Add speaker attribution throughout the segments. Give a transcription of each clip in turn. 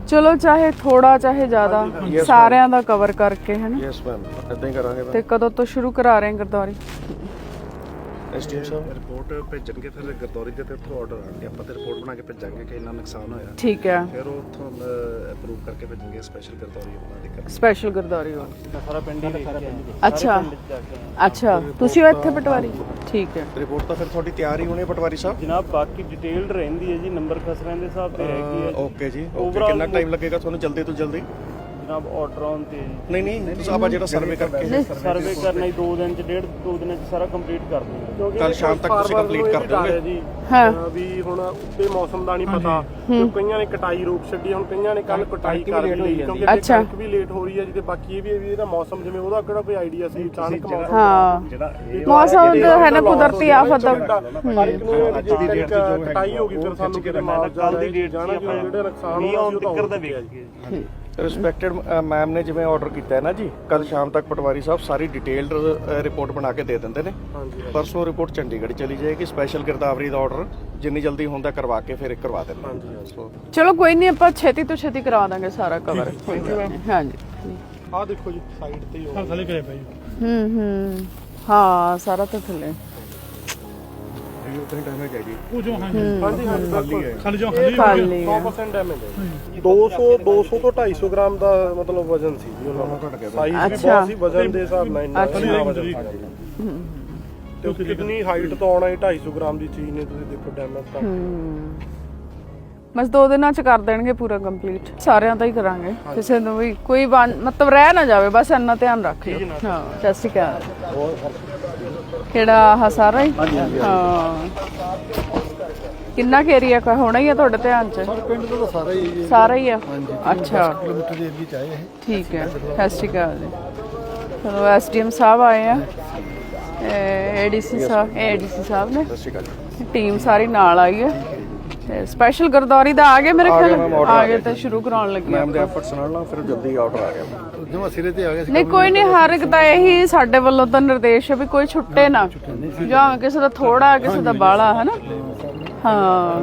Speaker 1: ਚਲੋ ਚਾਹੇ ਥੋੜਾ ਚਾਹੇ ਜ਼ਿਆਦਾ ਸਾਰਿਆਂ ਦਾ ਕਵਰ ਕਰਕੇ ਹੈ ਨਾ।
Speaker 2: ਯੈਸ ਮੈਮ, ਇਦਾਂ ਹੀ ਕਰਾਂਗੇ।
Speaker 1: ਤੇ ਕਦੋਂ ਤੋਂ ਸ਼ੁਰੂ ਕਰਾ ਰਹੇ ਗਰਦੌਰੀ?
Speaker 2: ਐਸਟੀਐਮ ਸਾਹਿਬ
Speaker 3: ਰਿਪੋਰਟ ਭੇਜਣਗੇ, ਫਿਰ ਗਰਦੌਰੀ ਦੇ ਤੇ ਉੱਥੋਂ ਆਰਡਰ ਆਣਗੇ, ਆਪਾਂ ਤੇ ਰਿਪੋਰਟ ਬਣਾ ਕੇ ਭੇਜਾਂਗੇ ਕਿ ਇੰਨਾ ਨੁਕਸਾਨ ਹੋਇਆ।
Speaker 1: ਠੀਕ ਹੈ,
Speaker 3: ਫਿਰ ਉਹ ਉੱਥੋਂ ਅਪਰੂਵ ਕਰਕੇ ਭੇਜਣਗੇ ਸਪੈਸ਼ਲ ਗਰਦੌਰੀ ਉਹਨਾਂ ਦੀ ਕਰਨੀ।
Speaker 1: ਸਪੈਸ਼ਲ ਗਰਦੌਰੀ ਹੋ।
Speaker 3: ਸਾਰਾ ਪਿੰਡ ਹੀ
Speaker 1: ਅੱਛਾ ਅੱਛਾ, ਤੁਸੀਂ ਹੋ ਇੱਥੇ ਪਟਵਾਰੀ? ਠੀਕ ਹੈ।
Speaker 2: ਰਿਪੋਰਟ ਤਾਂ ਫਿਰ ਤੁਹਾਡੀ ਤਿਆਰ ਹੀ ਹੋਣੀ ਹੈ ਪਟਵਾਰੀ ਸਾਹਿਬ?
Speaker 4: ਜਨਾਬ ਬਾਕੀ ਡਿਟੇਲਡ ਰਹਿੰਦੀ ਹੈ ਜੀ, ਨੰਬਰ ਖਸਰਿਆਂ ਦੇ ਹਿਸਾਬ ਤੇ ਹੈਗੀ ਹੈ।
Speaker 2: ਓਕੇ ਜੀ, ਕਿੰਨਾ ਟਾਈਮ ਲੱਗੇਗਾ ਤੁਹਾਨੂੰ ਜਲਦੀ ਤੋਂ ਜਲਦੀ?
Speaker 4: ਜਨਾਬ ਆਰਡਰ ਆਨ ਤੇ
Speaker 2: ਨਹੀਂ ਤੁਸੀਂ ਆਪਾਂ ਜਿਹੜਾ ਸਰਵੇ ਕਰਕੇ
Speaker 4: ਸਰਵੇ ਕਰਨਾ ਹੀ 2 ਦਿਨ ਚ 2 ਦਿਨਾਂ ਚ ਸਾਰਾ ਕੰਪਲੀਟ ਕਰ ਦੂੰਗਾ।
Speaker 2: ਕੱਲ ਸ਼ਾਮ ਤੱਕ ਤੁਸੀਂ ਕੰਪਲੀਟ ਕਰ ਦੋਗੇ
Speaker 4: ਜੀ।
Speaker 1: ਹਾਂ
Speaker 4: ਵੀ ਹੁਣ ਉੱਤੇ ਮੌਸਮ ਦਾ ਨਹੀਂ ਪਤਾ, ਕਈਆਂ ਨੇ ਕਟਾਈ ਰੋਕ ਛੱਡੀ, ਹੁਣ ਕਈਆਂ ਨੇ ਕੱਲ ਕਟਾਈ ਕਰ ਲਈ ਕਿਉਂਕਿ ਕਣਕ ਵੀ ਲੇਟ ਹੋ ਰਹੀ ਹੈ ਜੀ। ਤੇ ਬਾਕੀ ਇਹ ਵੀ ਇਹਦਾ ਮੌਸਮ ਜਿਵੇਂ ਉਹਦਾ ਕਿਹੜਾ ਕੋਈ ਆਈਡੀਆ ਸੀ, ਅਚਾਨਕ ਮੌਸਮ
Speaker 1: ਹਾਂ ਮੌਸਮ ਦਾ ਹੈ ਨਾ ਕੁਦਰਤੀ ਆਫਤ ਦਾ।
Speaker 4: ਅੱਜ ਦੀ ਡੇਟ ਤੇ ਜੋ ਕਟਾਈ ਹੋ ਗਈ, ਫਿਰ ਸਾਨੂੰ ਕਿਤੇ ਮਾਲ ਕੱਲ ਦੀ ਡੇਟ ਜਾਣਾ ਜਿਹੜੇ ਨੁਕਸਾਨ ਹੋਇਆ ਉਹ ਤਾਂ ਹੁੰਦਾ ਵੇਖ।
Speaker 2: ਰਿਸਪੈਕਟਡ ਮੈਮ ਨੇ ਜਿਵੇਂ ਆਰਡਰ ਕੀਤਾ ਹੈ ਨਾ ਜੀ, ਕੱਲ ਸ਼ਾਮ ਤੱਕ ਪਟਵਾਰੀ ਸਾਹਿਬ ਸਾਰੀ ਡਿਟੇਲਡ ਰਿਪੋਰਟ ਬਣਾ ਕੇ ਦੇ ਦਿੰਦੇ ਨੇ। ਪਰਸੋਂ ਰਿਪੋਰਟ ਚੰਡੀਗੜ੍ਹ ਚਲੀ ਜਾਏਗੀ। ਸਪੈਸ਼ਲ ਗਿਰਦਾਵਰੀ ਦਾ ਆਰਡਰ ਜਿੰਨੀ ਜਲਦੀ ਹੁੰਦਾ ਕਰਵਾ ਕੇ ਫਿਰ ਕਰਵਾ ਦਿੰਦੇ।
Speaker 1: ਚਲੋ ਕੋਈ ਨਹੀਂ, ਆਪਾਂ ਛੇਤੀ ਤੋਂ ਛੇਤੀ ਕਰਵਾ ਦਾਂਗੇ ਸਾਰਾ ਕਵਰ। ਹਾਂਜੀ
Speaker 4: ਆਹ ਦੇਖੋ ਜੀ ਸਾਈਡ ਤੇ ਹੀ ਥੱਲੇ ਕਰੇ ਭਾਈ।
Speaker 1: ਹਾਂ ਸਾਰਾ ਤਾਂ ਥੱਲੇ
Speaker 2: ਉਤਨੀ ਡੈਮੇਜ ਹੈ ਜੀ।
Speaker 4: ਉਹ ਜੋ ਹਾਂਜੀ ਖਾਲੀ ਜੋ
Speaker 1: ਖਾਲੀ
Speaker 4: 100% ਡੈਮੇਜ ਹੈ। 200 ਤੋਂ 250 ਗ੍ਰਾਮ ਦਾ ਮਤਲਬ ਵਜ਼ਨ ਸੀ ਜੀ ਉਹਨਾਂ ਦਾ। ਸਾਈਜ਼ ਵੀ ਬਹੁਤ ਸੀ, ਵਜ਼ਨ ਦੇ ਹਿਸਾਬ ਨਾਲ ਇੰਨਾ ਵਜ਼ਨ ਤੇ ਕਿੰਨੀ ਹਾਈਟ ਤੋਂ ਆਉਣਾ 250 ਗ੍ਰਾਮ ਦੀ ਚੀਜ਼ ਨੇ, ਤੁਸੀਂ ਦੇਖੋ ਡੈਮੇਜ ਤਾਂ।
Speaker 1: ਬਸ 2 ਦਿਨਾਂ ਚ ਕਰ ਦੇਣਗੇ ਪੂਰਾ ਕੰਪਲੀਟ, ਸਾਰਿਆਂ ਦਾ ਹੀ ਕਰਾਂਗੇ। ਕਿਸੇ ਨੂੰ ਵੀ ਕੋਈ ਮਤਲਬ ਰਹਿ ਨਾ ਜਾਵੇ, ਬਸ ਇੰਨਾ ਧਿਆਨ ਰੱਖ ਲਿਓ। ਹਾਂ ਸਤਿ ਸ਼੍ਰੀ ਅਕਾਲ। ਕਿਹੜਾ ਆਹ ਸਾਰਾ ਹੀ? ਹਾਂ ਕਿੰਨਾ ਕੁ ਏਰੀਆ ਹੋਣਾ ਹੀ ਆ ਤੁਹਾਡੇ ਧਿਆਨ ਚ?
Speaker 5: ਪਿੰਡ ਦਾ ਤਾਂ
Speaker 1: ਸਾਰਾ ਹੀ ਆ। ਅੱਛਾ
Speaker 5: ਕਿਲੋਮੀਟਰ ਦੇ ਏਰੀਆ ਚ ਆਏ ਇਹ।
Speaker 1: ਠੀਕ ਹੈ, ਸਤਿ ਸ਼੍ਰੀ ਅਕਾਲ ਜੀ। ਚਲੋ ਐਸਡੀਐਮ ਸਾਹਿਬ ਆਏ ਆ, ਏਡੀਸੀ ਸਾਹਿਬ ਨੇ, ਟੀਮ ਸਾਰੀ ਨਾਲ ਆਈ ਹੈ। ਸਪੈਸ਼ਲ ਗਰਦੌਰੀ ਦਾ ਆ ਗਏ ਮੇਰੇ ਖਿਆਲ, ਆ ਗਏ ਤੇ ਸ਼ੁਰੂ ਕਰਾਉਣ ਲੱਗੇ
Speaker 2: ਮੈਮ ਦੇ ਐਫਰਟਸ ਨਾਲ ਫਿਰ ਜਲਦੀ ਆਰਡਰ ਆ ਗਿਆ।
Speaker 5: ਜਮਾ ਸਿਰੇ ਤੇ ਆ ਗਿਆ ਸੀ।
Speaker 1: ਨਹੀਂ ਕੋਈ ਨਹੀਂ, ਹਰ ਇੱਕ ਦਾ ਇਹੀ ਸਾਡੇ ਵੱਲੋਂ ਤਾਂ ਨਿਰਦੇਸ਼ ਹੈ ਵੀ ਕੋਈ ਛੁੱਟੇ ਨਾ, ਜਾਂ ਕਿਸੇ ਦਾ ਥੋੜਾ ਕਿਸੇ ਦਾ ਬਾਹਲਾ ਹੈ ਨਾ। ਹਾਂ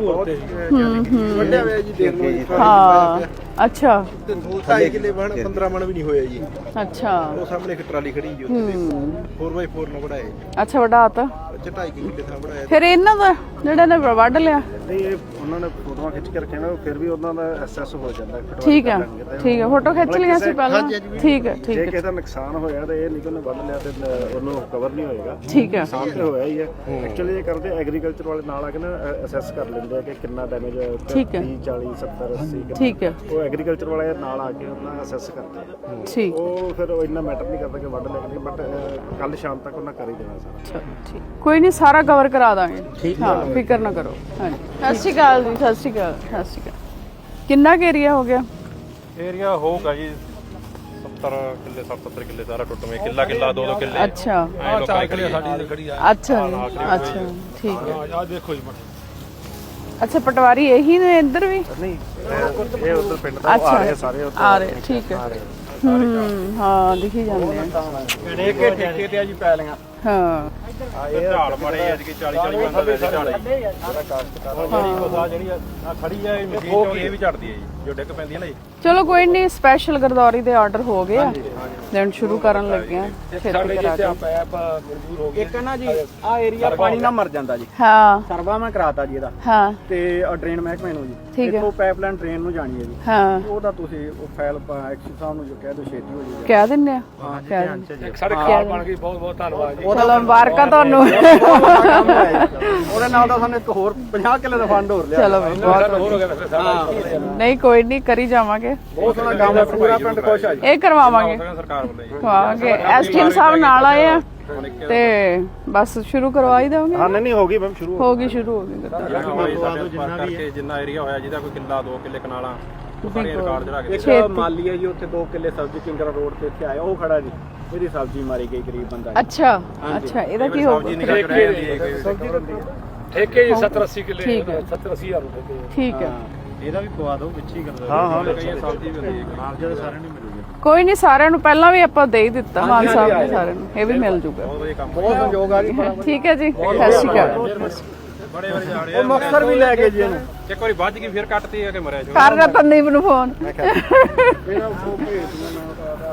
Speaker 5: ਵੱਡਿਆ ਹੋਇਆ ਜੀ, ਦੇਖ ਲਓ ਜੀ।
Speaker 1: ਹਾਂ ਅੱਛਾ
Speaker 5: 2.5 ਕਿੱਲੇ ਬਣ 15 ਮਣ ਵੀ ਨਹੀਂ ਹੋਇਆ ਜੀ।
Speaker 1: ਅੱਛਾ
Speaker 5: ਉਹ ਸਾਹਮਣੇ ਇੱਕ ਟਰਾਲੀ ਖੜੀ ਜੀ, ਉੱਥੇ ਦੇਖੋ 4x4 ਨਾਲ ਵੜਾਇਆ ਜੀ।
Speaker 1: ਅੱਛਾ ਵਡਾਤਾ
Speaker 5: 2.5 ਕਿੱਲੇ ਥਾਂ ਵੜਾਇਆ।
Speaker 1: ਫਿਰ ਇਹਨਾਂ ਦਾ ਜਿਹੜਾ ਨੇ ਵੱਢ ਲਿਆ।
Speaker 3: ਨਹੀਂ ਇਹ ਉਹਨਾਂ ਨੇ ਫੋਟੋਆਂ ਖਿੱਚ ਕੇ ਰੱਖੀਆਂ ਨੇ, ਫਿਰ ਵੀ ਉਹਨਾਂ ਦਾ ਐਸਐਸ ਹੋ ਜਾਂਦਾ।
Speaker 1: ਠੀਕ ਹੈ ਠੀਕ ਹੈ, ਫੋਟੋ ਖਿੱਚ ਲਿਆ ਸੀ ਪਹਿਲਾਂ। ਠੀਕ ਹੈ ਠੀਕ
Speaker 3: ਜੇ
Speaker 1: ਹੈ
Speaker 3: ਕਿਸੇ ਦਾ ਨੁਕਸਾਨ ਹੋਇਆ ਤੇ ਇਹ ਨਹੀਂ ਕਿ ਉਹਨੇ ਵੱਢ ਲਿਆ ਤੇ ਉਹਨੂੰ ਕਵਰ ਨਹੀਂ ਹੋਏਗਾ।
Speaker 1: ਠੀਕ ਹੈ
Speaker 3: ਨੁਕਸਾਨ ਤੇ ਹੋਇਆ ਹੀ ਹੈ। ਐਕਚੁਅਲੀ ਇਹ ਕਰਦੇ ਐਗਰੀਕਲਚਰ ਵਾਲੇ ਨਾਲ ਆ ਕੇ ਨਾ ਅਸੈਸ ਕਰ ਲੈਂਦੇ ਆ ਕਿ ਕਿੰਨਾ ਡੈਮੇਜ ਹੋਇਆ ਉੱਤੇ।
Speaker 1: ਠੀਕ ਹੈ।
Speaker 3: 30 40 70 80
Speaker 1: ਠੀਕ ਹੈ
Speaker 3: ਉਹ ਐਗਰੀਕਲਚਰ ਵਾਲੇ ਨਾਲ ਆ ਕੇ ਉਹਨਾਂ ਅਸੈਸ ਕਰਦੇ ਆ।
Speaker 1: ਠੀਕ
Speaker 3: ਉਹ ਫਿਰ ਉਹ ਇੰਨਾ ਮੈਟਰ ਨਹੀਂ ਕਰਦਾ ਕਿ ਵੱਢ ਲਿਆ ਕਿ ਨਹੀਂ, ਬਟ ਕੱਲ ਸ਼ਾਮ ਤੱਕ ਉਹਨਾਂ ਕਰ ਹੀ ਦੇਣਾ ਸਾਰਾ।
Speaker 1: ਚਲੋ ਠੀਕ, ਕੋਈ ਨਹੀਂ ਸਾਰਾ ਕਵਰ ਕਰਾ ਦਾਂਗੇ। ਹਾਂ ਫਿਕਰ ਨਾ ਕਰੋ। ਹਾਂਜੀ ਸਤਿ ਸ਼੍ਰੀ ਅਕਾਲ ਜੀ। ਸਤਿ ਸ਼੍ਰੀ ਅਕਾਲ। ਸਤਿ ਸ਼੍ਰੀ ਅਕਾਲ। ਕਿੰਨਾ ਕੁ ਏਰੀਆ ਹੋ ਗਿਆ?
Speaker 6: ਏਰੀਆ ਹੋਊਗਾ ਜੀ 70 ਕਿੱਲੇ 70 ਕਿੱਲੇ ਸਾਰਾ ਟੁੱਟਵੇਂ, ਕਿੱਲਾ 2 ਕਿੱਲੇ।
Speaker 1: ਅੱਛਾ
Speaker 6: ਸਾਡੀ ਖੜੀ ਆ।
Speaker 1: ਅੱਛਾ ਜੀ, ਅੱਛਾ ਠੀਕ ਹੈ।
Speaker 4: ਆ ਦੇਖੋ ਜੀ
Speaker 1: ਅੱਛਾ ਪਟਵਾਰੀ ਇਹੀ ਨੇ ਇੱਧਰ ਵੀ?
Speaker 3: ਨਹੀਂ ਇਹ ਉਧਰ ਪਿੰਡ ਦਾ ਆ ਰਹੇ ਸਾਰੇ ਉੱਧਰ
Speaker 1: ਆ ਰਹੇ। ਠੀਕ ਹੈ ਹਾਂ ਦਿਖੀ ਜਾਂਦੇ ਆ।
Speaker 5: ਠੇਕੇ ਤੇ ਆ ਜੀ ਪੈਲੀਆਂ।
Speaker 1: ਹਾਂ
Speaker 6: ਇਹ ਝਾੜ ਮਾਰੇ ਅੱਜ ਕੀ 40 ਬੰਦਾ ਵੈਸੇ ਝਾੜ ਹੈ। ਜਿਹੜੀ ਆ ਖੜੀ ਆ ਇਹ ਮਸ਼ੀਨ ਇਹ ਵੀ ਝੜਦੀ ਹੈ ਜੀ, ਜੋ ਡਿੱਗ ਪੈਂਦੀ ਹੈ ਨਾ ਜੀ।
Speaker 1: ਚਲੋ ਕੋਈ ਨਹੀਂ, ਸਪੈਸ਼ਲ ਗਰਦੌਰੀ ਦੇ ਆਰਡਰ ਹੋ ਗਏ ਆ, ਦੇਣ ਸ਼ੁਰੂ ਕਰਨ ਲੱਗੇ ਆ ਛੇਤੀ ਕਰਾ ਕੇ।
Speaker 5: ਇੱਕ ਨਾ ਜੀ ਆ ਏਰੀਆ ਪਾਣੀ ਨਾਲ ਮਰ ਜਾਂਦਾ ਜੀ।
Speaker 1: ਹਾਂ
Speaker 5: ਸਰਵਾ ਮੈਂ ਕਰਾਤਾ ਜੀ ਇਹਦਾ
Speaker 1: ਹਾਂ
Speaker 5: ਤੇ ਡਰੇਨ ਮਹਿਕਮੇ ਨੂੰ ਜੀ।
Speaker 1: ਠੀਕ ਹੈ।
Speaker 5: ਇੱਥੋਂ ਪਾਈਪਲਾਈਨ ਡਰੇਨ ਨੂੰ ਜਾਣੀ ਹੈ ਜੀ।
Speaker 1: ਹਾਂ
Speaker 5: ਉਹਦਾ ਤੁਸੀਂ ਉਹ ਫਾਈਲ ਐਕਸ਼ਨ ਸਾਹਿਬ ਨੂੰ ਜੋ ਕਹਿ ਦਿਓ ਛੇਤੀ ਹੋ ਜਾਊਗਾ।
Speaker 1: ਕਹਿ ਦਿੰਦੇ ਆ। ਕਹਿ ਦਿੰਦੇ।
Speaker 6: ਸਾਡੇ ਖਾਲ ਬਣ ਗਈ, ਬਹੁਤ ਬਹੁਤ ਧੰਨਵਾਦ ਜੀ।
Speaker 1: ਚਲੋ ਮੁਬਾਰਕਾਂ ਤੁਹਾਨੂੰ।
Speaker 5: ਉਹਦੇ ਨਾਲ ਤਾਂ ਸਾਨੂੰ ਇੱਕ ਹੋਰ 50 ਕਿੱਲੇ ਦਾ ਫੰਡ ਹੋਰ ਲਿਆ।
Speaker 1: ਚਲੋ ਬਹੁਤ
Speaker 6: ਹੋ ਗਿਆ ਵੈਸੇ ਸਾਡਾ
Speaker 1: ਨਹੀਂ ਕੋਈ ਨਹੀਂ, ਕਰੀ ਜਾਵਾਂਗੇ।
Speaker 5: ਬਹੁਤ ਸੋਹਣਾ ਕੰਮ ਹੈ, ਪੂਰਾ ਪਿੰਡ ਖੁਸ਼ ਆ ਜੀ।
Speaker 1: ਇਹ ਕਰਵਾਵਾਂਗੇ
Speaker 6: ਸਰਕਾਰ ਵੱਲੋਂ ਜੀ।
Speaker 1: ਕਰਵਾਵਾਂਗੇ। ਐਸਟੀਐਮ ਸਾਹਿਬ ਨਾਲ ਆਏ ਆ ਤੇ ਬਸ ਸ਼ੁਰੂ ਕਰਵਾ ਹੀ ਦੇਵਾਂਗੇ।
Speaker 3: ਹਾਂ ਨਹੀਂ ਹੋ ਗਈ ਮੈਮ, ਸ਼ੁਰੂ
Speaker 1: ਹੋ ਗਈ ਸ਼ੁਰੂ ਹੋ ਗਈ।
Speaker 6: ਕਰਕੇ ਜਿੰਨਾ ਏਰੀਆ ਹੋਇਆ ਜਿਹਦਾ ਕੋਈ ਕਿੱਲਾ 2 ਕਿੱਲੇ ਕਨਾਲਾਂ ਸਾਰੇ ਰਿਕਾਰਡ ਚੜਾ ਕੇ।
Speaker 5: ਇੱਕ ਮਾਲੀ ਹੈ ਜੀ, ਉੱਥੇ 2 ਕਿੱਲੇ ਸਬਜ਼ੀ ਕਿੰਗਰਾ ਰੋਡ ਤੇ ਇੱਥੇ ਆਇਆ, ਉਹ ਖੜਾ ਜੀ। ਇਹਦੀ ਸਬਜ਼ੀ ਮਾਰੀ ਗਈ ਗਰੀਬ ਬੰਦਾ।
Speaker 1: ਅੱਛਾ ਅੱਛਾ, ਇਹਦਾ ਕੀ ਹੋਊਗਾ?
Speaker 6: ਠੇਕੇ ਜੀ 70 80 ਕਿੱਲੇ।
Speaker 1: ਠੀਕ ਹੈ
Speaker 6: 70 80 ਹਜ਼ਾਰ ਰੁਪਏ।
Speaker 1: ਠੀਕ ਹੈ
Speaker 5: ਇਹਦਾ ਵੀ ਪਵਾ ਦਿਓ ਵਿੱਚ ਹੀ ਕਰਦਾ।
Speaker 3: ਹਾਂ
Speaker 6: ਕਈ ਸਬਜ਼ੀ ਵੀ ਹੁੰਦੀ ਹੈ
Speaker 5: ਨਾਲ ਜਿਹੜੇ ਸਾਰਿਆਂ ਨੂੰ ਮਿਲੂਗਾ।
Speaker 1: ਕੋਈ ਨਹੀਂ, ਸਾਰਿਆਂ ਨੂੰ ਪਹਿਲਾਂ ਵੀ ਆਪਾਂ ਦੇ ਹੀ ਦਿੱਤਾ ਮਾਨ ਸਾਹਿਬ ਨੇ ਸਾਰਿਆਂ ਨੂੰ, ਇਹ ਵੀ ਮਿਲ ਜੂਗਾ।
Speaker 6: ਬਹੁਤ ਵਧੀਆ ਕੰਮ।
Speaker 5: ਬਹੁਤ ਸੰਯੋਗ ਆ ਜੀ।
Speaker 1: ਠੀਕ ਹੈ ਜੀ, ਸਤਿ ਸ਼੍ਰੀ ਅਕਾਲ।
Speaker 6: ਬੜੇ ਵਾਰੀ ਜਾਣੇ
Speaker 5: ਉਹ ਮੁਕਤਸਰ ਵੀ ਲੈ ਗਏ ਜੀ ਇਹਨੂੰ।
Speaker 6: ਇੱਕ ਵਾਰੀ ਵੱਜ ਗਈ ਫਿਰ ਕੱਟਤੀ ਆ ਕਿ ਮਰਿਆ ਛੋੜ
Speaker 1: ਕਰ ਰਿਹਾ ਤਨਦੀਪ ਨੂੰ ਫੋਨ